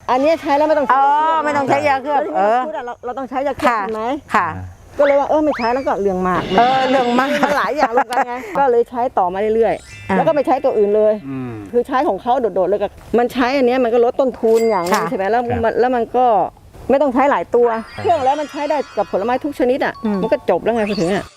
อันนี้ใช้แล้วไม่ต้องใช้ไม่ต้องใช้ยาเคลือบเราต้องใช้ยาเคลือบใช่ไหมค่ะก็เลยว่าไม่ใช้แล้วก็เรื่องมากเรื่องมากมันหลายอย่างรวมกันไงก็เลยใช้ต่อมาเรื่อยๆแล้วก็ไม่ใช้ตัวอื่นเลยคือใช้ของเขาโดดๆเลยกับมันใช้อันนี้มันก็ลดต้นทุนอย่างนึงใช่ไหมแล้วมันก็ไม่ต้องใช้หลายตัวเครื่องแล้วมันใช้ได้กับผลไม้ทุกชนิดอ่ะมันก็จบแล้วไงพอถึงอ่ะ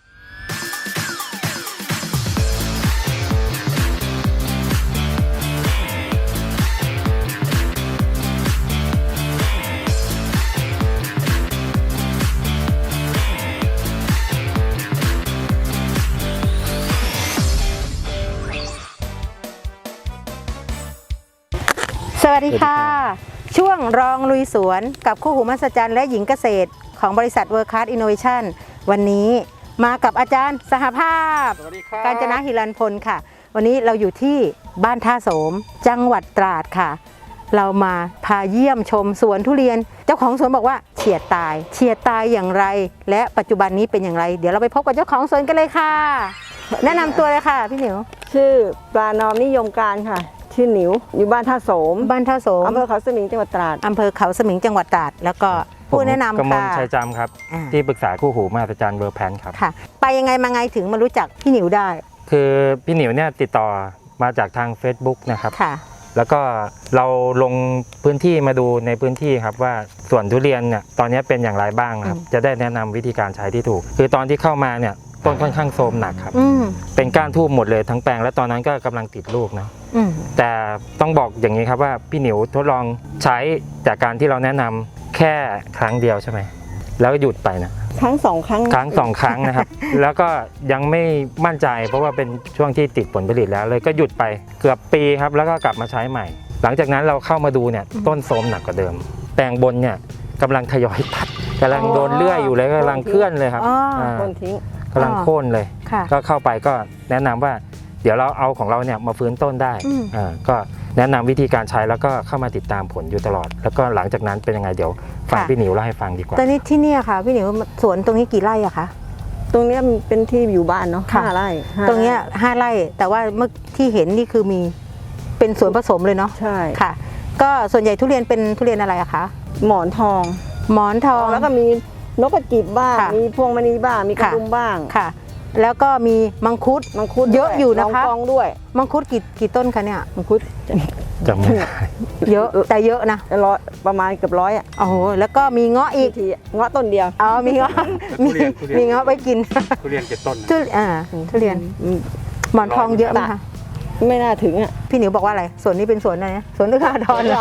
สวัสดีค่ะช่วงรองลุยสวนกับคู่หูมหัศจรรย์และหญิงเกษตรของบริษัท World Class Innovation วันนี้มากับอาจารย์สหภาพกาญจนะหิรันพลค่ะวันนี้เราอยู่ที่บ้านท่าโสมจังหวัดตราดค่ะเรามาพาเยี่ยมชมสวนทุเรียนเจ้าของสวนบอกว่าเฉียดตายอย่างไรและปัจจุบันนี้เป็นอย่างไรเดี๋ยวเราไปพบกับเจ้าของสวนกันเลยค่ะแนะนำตัวเลยค่ะพี่หนิวชื่อปลานอมนิยมการค่ะชื่อหนิวอยู่บ้านท่าโสมอำเภอเขาสมิงจังหวัดตราดอำเภอเขาสมิงจังหวัดตราดแล้วก็ผู้แนะนำค่ะกมลชัยจำครับที่ปรึกษาคู่หูมหัศจรรย์เวอร์แพนครับค่ะไปยังไงมาไงถึงมารู้จักพี่หนิวได้คือพี่หนิวเนี่ยติดต่อมาจากทาง Facebook นะครับค่ะแล้วก็เราลงพื้นที่มาดูในพื้นที่ครับว่าสวนทุเรียนเนี่ยตอนนี้เป็นอย่างไรบ้างครับจะได้แนะนำวิธีการใช้ที่ถูกคือตอนที่เข้ามาเนี่ยต้นค่อนข้างโทรมหนักครับเป็นก้านทูบหมดเลยทั้งแปลงและตอนนั้นก็กำลังติดลูกนะแต่ต้องบอกอย่างนี้ครับว่าพี่หนิวทดลองใช้จากการที่เราแนะนำแค่ครั้งเดียวใช่ไหมแล้วก็หยุดไปนะครั้งสองครั้งนะครับ แล้วก็ยังไม่มั่นใจเพราะว่าเป็นช่วงที่ติดผลผลิตแล้วเลยก็หยุดไปเกือบปีครับแล้วก็กลับมาใช้ใหม่หลังจากนั้นเราเข้ามาดูเนี่ยต้นโทรมหนักกว่าเดิมแปลงบนเนี่ยกำลังทยอยตัดกำลังโดนเลื่อยอยู่เลยกำลังเคลื่อนเลยครับโค่นทิ้งกำลังโค่นเลยก็เข้าไปก็แนะนำว่าเดี๋ยวเราเอาของเราเนี่ยมาฟื้นต้นได้ก็แนะนำวิธีการใช้แล้วก็เข้ามาติดตามผลอยู่ตลอดแล้วก็หลังจากนั้นเป็นยังไงเดี๋ยวฟังพี่หนิวเล่าให้ฟังดีกว่าตอนนี้ที่นี่ค่ะพี่หนิวสวนตรงนี้กี่ไร่อะคะตรงนี้เป็นที่อยู่บ้านเนาะ5 ไร่ตรงนี้5 ไร่แต่ว่าเมื่อที่เห็นนี่คือมีเป็นสวนผสมเลยเนาะใช่ค่ะก็ส่วนใหญ่ทุเรียนเป็นทุเรียนอะไรอะคะหมอนทองแล้วก็มีนกกระจิบบ้างมีพวงมณีบ้างมีกระดุมบ้างค่ะแล้วก็มีมังคุดเยอะอยู่นะคะด้วยมังคุดกี่ต้นคะเนี่ยมังคุดจำไม่ได้เยอะแต่เยอะนะประมาณเกือบ100อ่ะโอ้โหแล้วก็มีเงาะอีกเงาะต้นเดียวมีเงาะมีเงาะไว้กินทุเรียน7 ต้นทุเรียนหมอนทองเยอะไหมคะไม่น่าถึงอ่ะพี่หนิวบอกว่าอะไรสวนนี้เป็นสวนอะไรนะสวนเอื้ออาทร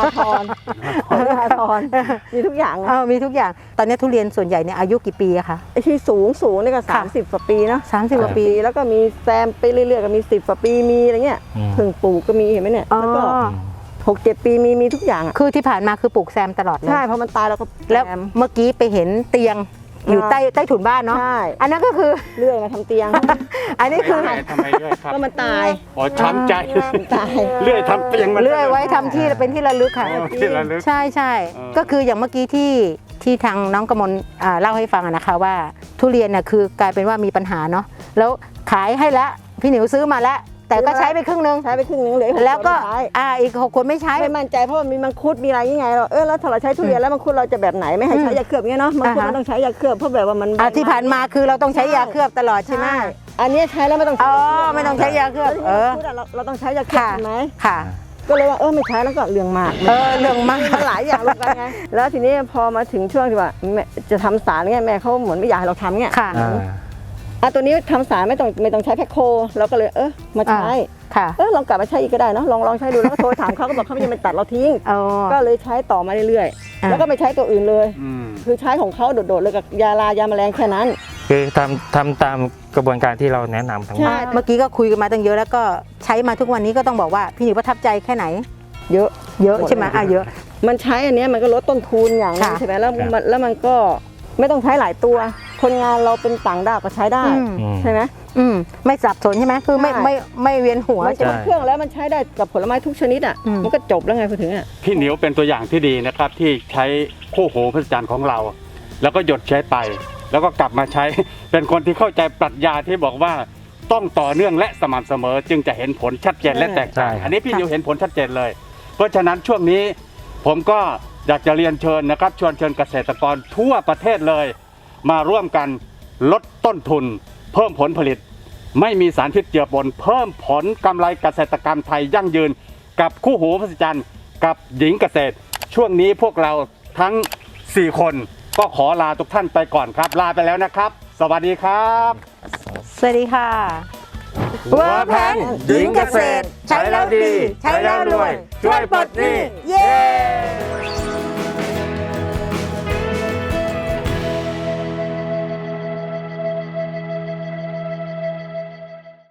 มีทุกอย่างมีทุกอย่างตอนนี้ทุเรียนส่วนใหญ่เนี่ยอายุกี่ปีอะคะที่สูงนี่ก็30 กว่าปีเนาะ 30 กว่าปีแล้วก็มีแซมไปเรื่อยๆก็มี10 กว่าปีมีอะไรเงี้ยเพิ่งปลูกก็มีเห็นไหมเนี่ยแล้วก็6-7 ปีมีทุกอย่างคือที่ผ่านมาคือปลูกแซมตลอดเลยใช่เพราะมันตายแล้วก็แล้วเมื่อกี้ไปเห็นเตียงอยู่ใต้ถุนบ้านเนาะอันนั้นก็คือเลื่อยมาทำเตียงอันนี้คือทำไมเลื่อยครับก็มันตายช้ำใจตายเลื่อยทำเตียงเลื่อยไว้ทำที่เป็นที่ระลึกค่ะใช่ก็คืออย่างเมื่อกี้ที่ทางน้องกมลเล่าให้ฟังนะคะว่าทุเรียนน่ะคือกลายเป็นว่ามีปัญหาเนาะแล้วขายให้แล้วพี่หนิวซื้อมาแล้วแต่ก็ใช้ไปครึ่งนึงเลยแล้วก็อีก6 คนไม่ใช้ไม่มั่นใจเพราะมีมังคุดมีอะไรยังไงเราแล้วถ้าเราใช้ทุเรียนแล้วมังคุดเราจะแบบไหนไม่ให้ใช้ยาเคลือบเงี้ยเนาะมังคุดเราต้องใช้ยาเคลือบเพราะแบบว่ามันที่ผ่านมาคือเราต้องใช้ยาเคลือบตลอดใช่ไหมอันนี้ใช้แล้วไม่ต้องไม่ต้องใช้ยาเคลือบเราต้องใช้ยาเคลือบใช่ไหมค่ะก็เลยว่าไม่ใช้แล้วก็เรื่องมากเรื่องมากมันหลายอย่างรวมกันไงแล้วทีนี้พอมาถึงช่วงที่ว่าจะทำสารเงี้ยแม่เขาเหมือนไม่อยากให้เราทำเงี้ยตัวนี้ทำสารไม่ต้องใช้แพ็คโคเราก็เลยมาใช้ลองกลับมาใช้อีกก็ได้เนาะลองใช้ดูแล้วก็โทรถามเขาก็บอกเขาไม่ยังไม่ตัดเราทิ้งก็เลยใช้ต่อมาเรื่อยๆแล้วก็ไม่ใช้ตัวอื่นเลยคือใช้ของเขาโดดๆเลยกับยาแมลงแค่นั้นคือทำตามกระบวนการที่เราแนะนำทั้งหมดเมื่อกี้ก็คุยกันมาตั้งเยอะแล้วก็ใช้มาทุกวันนี้ก็ต้องบอกว่าพี่หนิวประทับใจแค่ไหนเยอะใช่ไหมเยอะมันใช้อันนี้มันก็ลดต้นทุนอย่างนึงใช่ไหมแล้วมันก็ไม่ต้องใช้หลายตัวคนงานเราเป็นต่างด้าวก็ใช้ได้ใช่ไหมไม่สับสนใช่ไหมคือไม่เวียนหัวมันจะเครื่องแล้วมันใช้ได้กับผลไม้ทุกชนิดอ่ะมันก็จบแล้วไงพอถึงอ่ะพี่หนิวเป็นตัวอย่างที่ดีนะครับที่ใช้คู่หูมหัศจรรย์ของเราแล้วก็หยดใช้ไปแล้วก็กลับมาใช้เป็นคนที่เข้าใจปรัชญาที่บอกว่าต้องต่อเนื่องและสม่ำเสมอจึงจะเห็นผลชัดเจนและแตกต่างอันนี้พี่หนิวเห็นผลชัดเจนเลยเพราะฉะนั้นช่วงนี้ผมก็อยากจะเรียนเชิญนะครับชวนเชิญเกษตรกรทั่วประเทศเลยมาร่วมกันลดต้นทุนเพิ่มผลผลิตไม่มีสารพิษเจือปนเพิ่มผลกำไรเกษตรกรรมไทยยั่งยืนกับคู่หูมหัศจรรย์กับหญิงเกษตรช่วงนี้พวกเราทั้ง4คนก็ขอลาทุกท่านไปก่อนครับลาไปแล้วนะครับ สวัสดีครับสวัสดีค่ะเวิร์คแพนหญิงเกษตรใช้แล้วดี ใช้แล้วรวย ช่วยปลดหนี้เย้